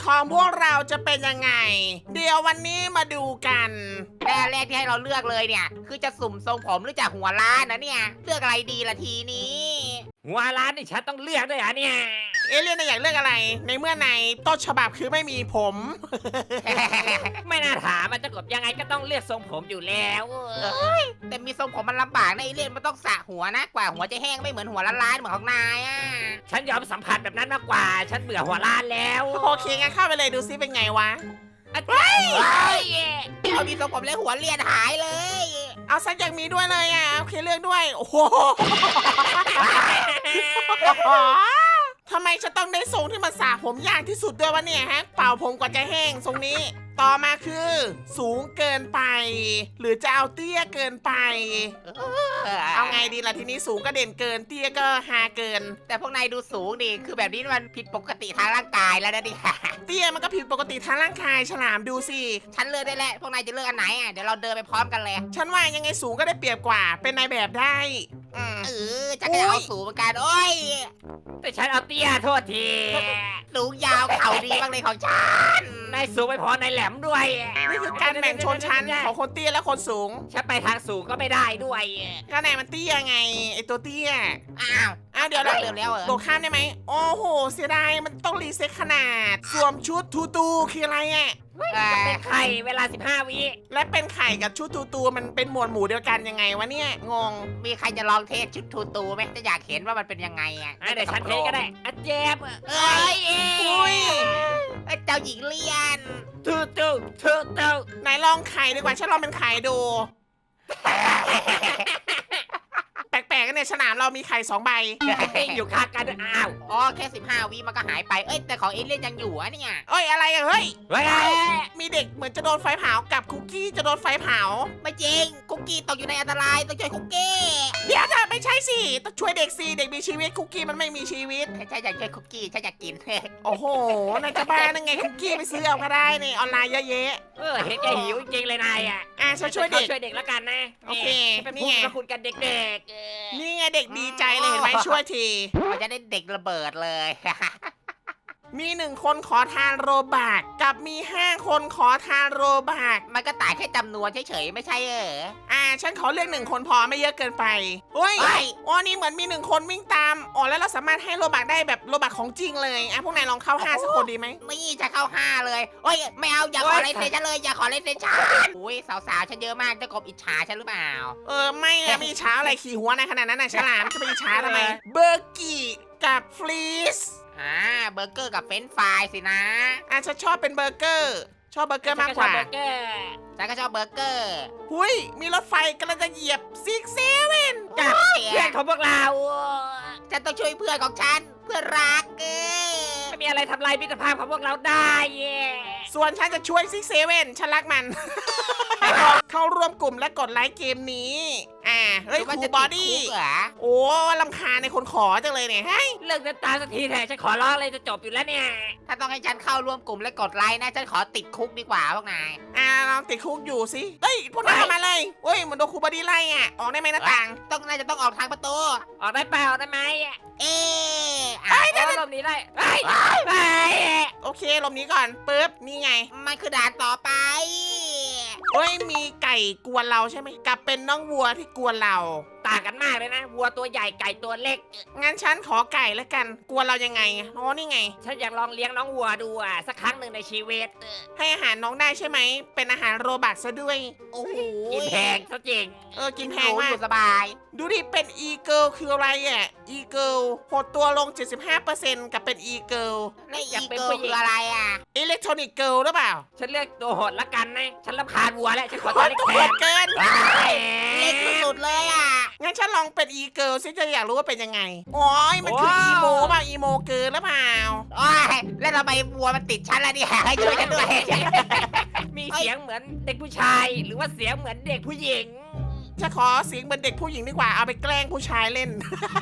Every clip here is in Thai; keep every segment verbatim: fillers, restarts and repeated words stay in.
ของพวกเราจะเป็นยังไงเดี๋ยววันนี้มาดูกันแรกแรกที่ให้เราเลือกเลยเนี่ยคือจะสุ่มทรงผมหรือจะหัวล้านนะเนี่ยเลือกอะไรดีละทีนี้หัวร้านนี่ฉันต้องเลือกด้วยเหรอเนี่ยเอเลี่ยนน่ะอยากเลือกอะไร ในเมื่อในต้นฉบับคือไม่มีผมไม่น่าถามมันจะกบยังไงก็ต้องเลือกทรงผมอยู่แล้วแต่มีทรงผมมันลำบากนะไอเล่นมันต้องสระหัวนะกว่าหัวจะแห้งไม่เหมือนหัวล้านๆเหมือนของนายอ่ะฉันยอมสัมผัสแบบนั้นมากกว่า ฉันเบื่อหัวร้านแล้วโอเคงั้นเข้าไปเลยดูซิเป็นไงวะอ่ะเฮ้ยเอามีทรงผมแล้วหัวเลียนหายเลยเอาซักอย่างมีด้วยเลยอ่ะโอเคเลือกด้วยโอ้โห ทำไมฉันต้องได้ทรงที่มันสระผมยากที่สุดด้วยวะเนี่ยฮะเป่าผมกว่าจะแห้งทรงนี้ ต่อมาคือ สูงเกินไป หรือจะเอาเตี้ยเกินไป เอาไงดีล่ะทีนี้สูงก็เด่นเกินเตี้ยก็ฮาเกินแต่พวกนายดูสูงดิคือแบบนี้มันผิดปกติทางร่างกายแล้วนะดิเตี้ยมันก็ผิดปกติทางร่างกายฉลามดูสิฉันเลือกได้แหละพวกนายจะเลือกอันไหนอ่ะเดี๋ยวเราเดินไปพร้อมกันเลยฉันว่ายังไงสูงก็ได้เปรียบกว่าเป็นนายแบบได้อืมเออฉันก็จะเอาสูงเหมือนกันโอ้ยแต่ฉันเอาเตี้ยโทษทีสูงยาวเข่าดีบ้างเลยของฉันนายสูงไม่พอนายแหลมด้วยนี่คือการแบ่งชนชั้นของคนเตี้ยและคนสูงฉันไปทางสูงก็ไม่ได้ด้วยก็ไหนมันเตี้ยไงไอตัวเตี้ยอ้าวอ้าวเดี๋ยวเลืนะอกเร็วแล้วเหรอโดดข้ามได้ไหมโอ้โหเสียดายมันต้องรีเซ็ตขนาด สวมชุดทูตูคืออะไรอ่ะเป็นใครเวลาสิบห้าวิและเป็นไข่กับชุดทูตูมันเป็นหมวดหมู่เดียวกันยังไงวะเนี่ยงงมีใครจะลองเทสชุดทูตูไหมจะอยากเห็นว่ามันเป็นยังไงอ่ะอ่ะเดี๋ยวฉันเทสก็ได้อ่ะเจ็บเอ้ยอุ้ยเอ้ยเจ้าหญิงเลียนทูตูทูตูไหนลองไข่ดีกว่าฉันลองเป็นไข่ดู แปลกๆกันเนี่ยสนามเรามีไข่สองใบอยู่ข้างกันด้วยอ้าวอ๋อแค่สิบห้าวิมันก็หายไปเอ้ยแต่ของเอเลี่ยนยังอยู่อะเนี่ยเอ้ยอะไรอะเฮ้ยเฮ้ยมีเด็กเหมือนจะโดนไฟเผากับคุกกี้จะโดนไฟเผาไม่จริงคุกกี้ตกอยู่ในอันตรายต้องช่วยคุกกี้เดี๋ยวจะไม่ใช่สิต้องช่วยเด็กสิเด็กมีชีวิตคุกกี้มันไม่มีชีวิตฉันอยากช่วยคุกกี้ฉันอยากกินโอ้โหนายจะบ้านั่งไงคุกกี้ไปซื้อเอาก็ได้นี่ออนไลน์เยอะแยะเออเห็นแกหิวจริงๆเลยนายอ่ะอ่ะฉันช่วยเด็กช่วยเด็กแล้วกันนะโอเคเป็นนี่ผู้ไงพระคุณกันเด็กๆเออนี่ไงเด็กดีใจเลยเห็นไหมช่วยทีมันจะได้เด็กระเบิดเลยมีหนึ่งคนขอทานโรบักกับมีห้าคนขอทานโรบักมันก็ต่างแค่จำนวนเฉยๆไม่ใช่เอออ่าฉันขอเลือกหนึ่งคนพอไม่เยอะเกินไปเฮ้ยเฮ้ยอ๋อนี่เหมือนมีหนึ่งคนวิ่งตามอ๋อแล้วเราสามารถให้โรบักได้แบบโรบักของจริงเลยอ่ะพวกนายลองเข้าห้าสักคนดีไหมนี่จะเข้าห้าเลยโอ้ยไม่เอาอย่าขอเลนเซนฉันเลยอย่าขอเลนเซนฉันอุ้ยสาวๆฉันเยอะมากจะกบอิจฉาฉันหรือเปล่าเออไม่อะมีช้าอะไรขี่หัวในขนาดนั้นน่ะฉลามจะไปช้าทำไมเบอร์กี้กับฟรีสอ่าเบอร์เกอร์กับเฟรนช์ฟรายสินะอ่ะฉันชอบเป็นเบอร์เกอร์ ชอบเบอร์เกอร์มากกว่าฉันชอบเบอร์เกอร์ฉันก็ชอบเบอร์เกอร์หุยมีรถไฟกำลังจะเหยียบซิกเซเว่นกับโอ้ยเพื่อนของพวกเราฉันต้องช่วยเพื่อนของฉันเพื่อนรักเออไม่มีอะไรทำลายมิตรภาพของพวกเราได้เย้ส่วนฉันจะช่วยซิกเซเว่นฉันรักมัน เข้าร่วมกลุ่มและกดไลค์เกมนี้ อ่า เฮ้ยหรือว่าครูจะบอติดี้คุกเหรอโอ้ลำคาญในคนขอจังเลยเนี่ยเฮ้ยเลิกเดินตามสักทีเถอะฉันขอร้องเลยจะจบอยู่แล้วเนี่ยถ้าต้องให้ฉันเข้าร่วมกลุ่มและกดไลค์นะฉันขอติดคุกดีกว่าพวกนายอ่าลองติดคุกอยู่สิเฮ้ย พวกนายเข้ามาเลยเฮ้ยเหมันโดนครูบอดี้ไล่อ่ะ ออกได้ไหมหน้าต่างต้องน่าจะต้องออกทางประตูออกได้เปล่าได้ไหมเอ๊ะไอ้อ่ะเดี๋ยวลมนี้ได้ไอ้ไอ้โอเคลมนี้ก่อนปึ๊บ นี่ไงมันคือด่านต่อไปเฮ้ย มีไก่กวนเราใช่ไหมกับเป็นน้องวัวที่กวนเราต่างกันมากเลยนะ วัวตัวใหญ่ไก่ตัวเล็กงั้นฉันขอไก่แล้วกัน กวนเรายังไงอ๋อนี่ไงฉันอยากลองเลี้ยงน้องวัวดูอ่ะสักครั้งหนึ่งในชีวิตให้อาหารน้องได้ใช่ไหม เป็นอาหารโรบักซะด้วยโอ้โหกินแพงซะจริงเออ กินแพหงนูมาอก ยู่สบายดูดิ เป็นอีเกิลคืออะไรอ่ะ อีเกิลหดตัวลง เจ็ดสิบห้าเปอร์เซ็นต์ กับเป็นอีเกิลและอีเกิลคืออะไรอ่ะอิเล็กทรอนิกเกิลหรือเปล่าฉันเลือกตัวโหดละกันนะ ฉันรำคาญวัวแล้ว ฉันขอตัวเล็กตัวแทโหนดเกินเล็กสุดๆเลยอ่ะงั้นฉันลองเป็นอีเกิลซิจะอยากรู้ว่าเป็นยังไงโอ้ยมันคืออีโมป่ะอีโมเกินหรือเปล่าโอ้ยแล้วทำไมวัวมันติดฉันล่ะเนี่ยให้ช่วยฉันด้วยมีเสียงเหมือนเด็กผู้ชาย หรือว่าเสียงเหมือนเด็กผู้หญิงจะขอเสียงเป็นเด็กผู้หญิงดีกว่า เอาไปแกล้งผู้ชายเล่น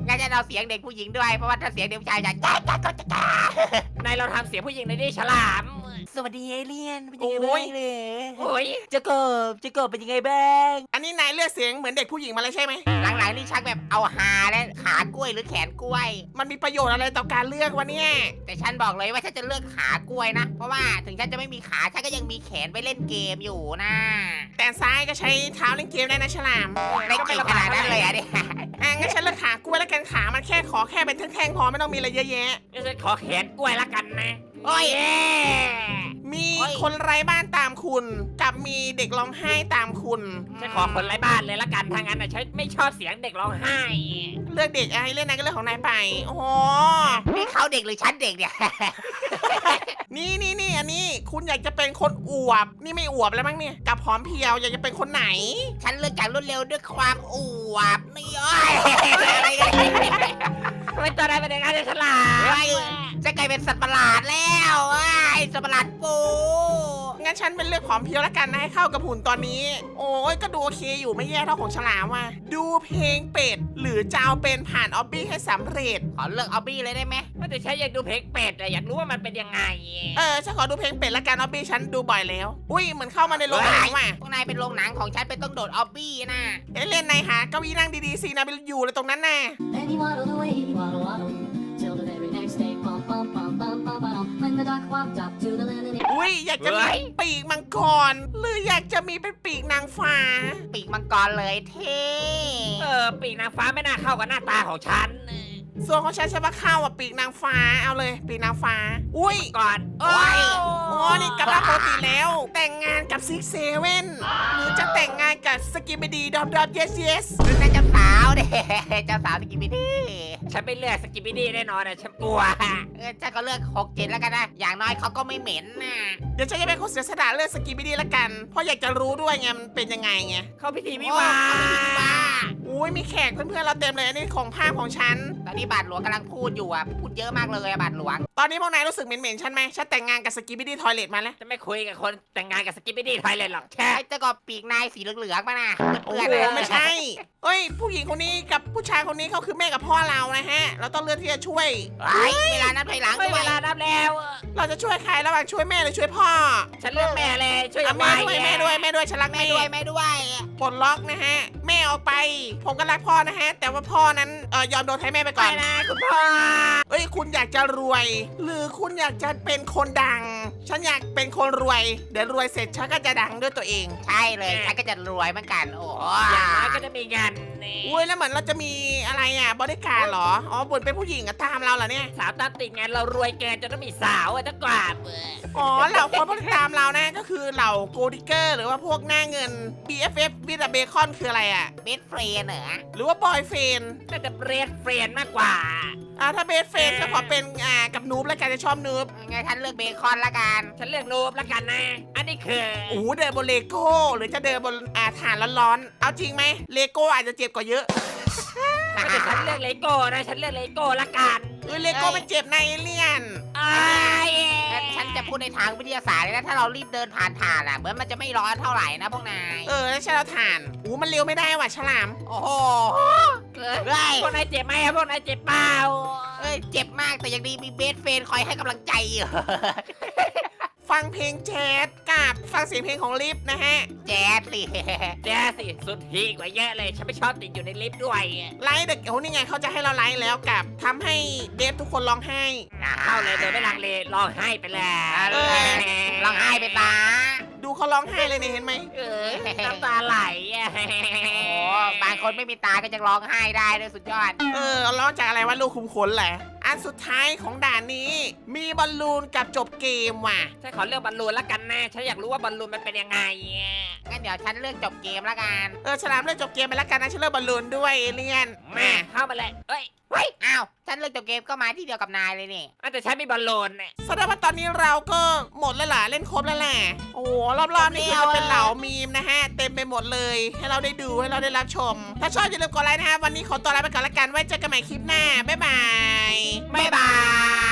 งั้นจะเอาเสียงเด็กผู้หญิงด้วยเพราะว่าถ้าเสียงเด็กผู้ชายจะจ้าจ้าจ้าจ้านายเราทำเสียงผู้หญิงในอยดิฉลามสวัสดีเอเลี่ยนเป็นยังไงบ้างเลยโอ้ยเจะกบเจะกบเป็นยังไงบ้างอันนี้นายเลือกเสียงเหมือนเด็กผู้หญิงมาแล้วใช่ไหมหลังๆนี่ชักแบบเอาหาและขากล้วยหรือแขนกล้วยมันมีประโยชน์อะไรต่อการเลือกวะเนี่ยแต่ฉันบอกเลยว่าฉันจะเลือกขากล้วยนะ เพราะว่าถึงฉันจะไม่มีขาฉันก็ยังมีแขนไปเล่นเกมอยู่นะแต่ซ้ายก็ใช้เท้าเล่นเกมได้นะฉลามไม่เก่งขนาดนั้นเลยอะเนี่ยอ่ะงั้นฉันเลือกขากล้วยแล้วกันขามันแค่ขอแค่เป็นแท่งๆพอไม่ต้องมีอะไรเยอะแยะงั้นฉันขอแขนกล้วยละกันนะโอ้ยเย้มีโอ้ยคนไร้บ้านตามคุณ กับมีเด็กร้องไห้ตามคุณฉันขอคนไร้บ้านเลยละกันทางนั้นนะฉันไม่ชอบเสียงเด็กร้องไห้เลือกเด็กอะไรเล่นนายก็เลือกของนายไป โอ้โหนี่เขาเด็กหรือฉันเด็กเนี่ยนี่นี่นี่อันนี้คุณอยากจะเป็นคนอวบ นี่ไม่อวบแล้วมั้งเนี่ย กับผอมเพรียวอยากจะเป็นคนไหนฉันเลือกจากรวดเร็วด้วยความอวบนี่โอ้ยอะไรกันเนี่ยทำไมตัวนั้นเป็นอย่างนั้นเนี่ยฉลามเฮ้ยจะกลายเป็นสัตว์ประหลาดแล้วไอ้สัตว์ประหลาดปูงั้นฉันเป็นเลือกผอมเพรียวแล้วกันนะให้เข้ากับหุ่นตอนนี้ โอ้ยก็ดูโอเคอยู่ไม่แย่เท่าของฉลามว่ะ ดูเพลงเป็ด หรือจะเอาเป็นผ่านออบบี้ให้สำเร็จขอเลือกออบบี้เลยได้ไหมแต่ฉันอยากดูเพลงเป็ดอะอยากรู้ว่ามันเป็นยังไงเออฉันขอดูเพลงเป็ดละกันออบบี้ฉันดูบ่อยแล้ว อุ้ยเหมือนเข้ามาในโรงหนังว่ะพวกนายเป็นโรงหนังของฉันเป็นต้องโดดออบบี้นะเอ้ยเล่นนายหาเก้าอี้นั่งดีๆสินายไปอยู่เลยตรงนั้นน่ะ And he waddled away, he waddle waddle, till the very next day, bum bum bum bum bum bum. When the duck walked up to the linen. อุ้ยอยากจะมีปีกมังกร หรืออยากจะมีเป็นปีกนางฟ้าปีกมังกรเลยเท่เออปีกนางฟ้าไม่น่าเข้ากับหน้าตาของฉันส่วนของฉันใช่ปะเข้าอ่ะปีกนางฟ้าเอาเลย ปีกนางฟ้า อุ้ยก่อนโอ้ยโอ้นี่กลับมาปกติแล้ว แต่งงานกับซิกเซเว่นหรือจะแต่งงานกับสกิมดีดอมดอมเยสเยสหรือนั่นเจ้าสาวเด้ เจ้าสาวสกิปปี้ดี้ฉันไม่เลือกสกิปปี้ดี้แน่นอนนะฉันกลัวเออฉันก็เลือกหกเจ็ดแล้วกันนะ อย่างน้อยเขาก็ไม่เหม็นนะเดี๋ยวฉันจะเป็นคนเสียสละเลือกสกิมดีละกัน เพราะอยากจะรู้ด้วยไงมันเป็นยังไงไงเข้าพิธีวิวาโอ้เขาไม่มีบ้าอุ้ยมีแขกเพื่อนๆเราเต็มเลยอันนี้ของภาพของฉันตอนนี้บาทหลวงกำลังพูดอยู่อ่ะ พูดเยอะมากเลยอะบาทหลวงตอนนี้พวกนายรู้สึกเหม็นๆฉันไหมฉันแต่งงานกับสกิมดี้ทอยเลทมาแล้วจะไม่คุยกับคนแต่งงานกับสกิปปี้ดี้ไทยเลยหรอกแค่ไอ้เจ้าก็ปีกนายสีเหลืองๆมานะโอ้เพื่อนโหๆนะไม่ใช่เอ้ย ผู้หญิงคนนี้กับผู้ชายคนนี้เขาคือแม่กับพ่อเรานะฮะ เราต้องเลือกที่จะช่วยไอ้เวลานับถอยหลังไม่ด้เววยลานับแล้วเราจะช่วยใครระหว่างช่วยแม่หรือช่วยพ่อฉันเลือกแม่เลยช่วยอ่ะกับแม่ด้วยแม่ด้วยแม่ด้วยฉันรักแม่แม่ด้วยแม่ด้วยปลดล็อกนะฮะ แม่ออกไป ผมก็รักพ่อนะฮะ แต่ว่าพ่อนั้นเออยอมโดนให้แม่ไปไปก่อนนะคุณพ่อเอ้ยคุณอยากจะรวย หรือคุณอยากจะเป็นคนดัง ฉันอยากเป็นคนรวย เดี๋ยวรวยเสร็จฉันก็จะดังด้วยตัวเองใช่เลยฉันก็จะรวยเหมือนกัน โอ้อย่างน้อยก็จะมีงานนี่อุ้ยแล้วเหมือนเราจะมีอะไรอ่ะบริการดเหรอ อ๋อบุญเป็นผู้หญิงอะตามเราเหรอเนี่ยสาวตามติดงานเรารวยเกินจนต้องมีสาวอะจะกว่าดอ๋อเหล่าคนผู้ติดตามเรานะก็คือเหล่าโกดิเกอร์หรือว่าพวกหน้าเงิน บี เอฟ เอฟ วิดเบคอนคืออะไรอ่ะเบสเฟรนเหรอหรือว่าบอยเฟนน่าจะเบรดเฟรนมากกว่าอ่าถ้าเบสเฟนก็ขอเป็นอ่ากับนูบแล้วกันจะชอบนูบงั้นฉันเลือกเบคอนละกันฉันเลือกนูบละกันนะ อันนี้คือโอ้โหเดินบนเลโก้หรือจะเดินบนอ่าฐานร้อนๆเอาจริงไหมเลโก้อาจจะเจ็บกว่าเยอะแต่ฉันเลือกเลโก้นะ ฉันเลือกเลโก้ละกันเออเลโก้มันเจ็บในเอเลี่ยนอ้ายงั้นฉันจะพูดในทางวิทยาศาสตร์เลยนะ ถ้าเรารีบเดินผ่านถ่านอ่ะ เหมือนมันจะไม่ร้อนเท่าไหร่นะพวกนายเออแล้วใช่เราฐานอู้มันเร็วไม่ได้ว่ะฉลามโอ้โหเอ้ยเฮ้ยพวกนายเจ็บไหมอะพวกนายเจ็บเปล่าเอ้ย เจ็บมากแต่ยังดีมีเบสเฟรนคอยให้กำลังใจอยู่ฟังเพลงแจ๊สกับฟังเสียงเพลงของลิฟนะฮะแจ๊ดสิแจ๊สสิสุดทีกว่าเยอะเลย ฉันไม่ชอบติดอยู่ในลิฟต์ด้วยไลฟ์เด็กโอ้นี่ไงเขาจะให้เราไลฟ์แล้วกับทำให้เดฟทุกคนร้องไห้เข้าเลยโดยไม่ลังเลร้องไห้ไปแล้วเออร้องไห้ไปตาดูเขาร้องไห้เลยเนี่ยเห็นไหมเออน้ำตาไหลอะโอ้บางคนไม่มีตาก็จะร้องไห้ได้ด้วยสุดยอดเออร้องจากอะไรว่าลูกคุมขนแหละ อันสุดท้ายของด่านนี้ มีบอลลูนกับจบเกมว่ะฉันขอเลือกบอลลูนละกันนะ ฉันอยากรู้ว่าบอลลูนมันเป็นยังไงอะงั้นเดี๋ยวฉันเลือกจบเกมละกันเออฉลามเลือกจบเกมไปแล้วกันนะฉันเลือกบอลลูนด้วยเอเลี่ยนแม่มาเข้ามาเลยเอ้ยเฮ้ย อ้าว ฉันเลือกจบเกมก็มาที่เดียวกับนายเลยนี่อ่ะแต่ฉันมีบอลลูนเนี่ยแสดงว่าตอนนี้เราก็หมดแล้วล่ะเล่นครบแล้วแหละโอ้โหรอบๆนี่คือจะเป็นเหล่ามีมนะฮะเต็มไปหมดเลย ให้เราได้ดูให้เราได้รับชม ถ้าชอบอย่าลืมกดไลค์นะฮะวันนี้ขอตัวลาไปก่อนละกันไว้เจอกันใหม่คลิปหน้าบ๊ายบายบ๊ายบาย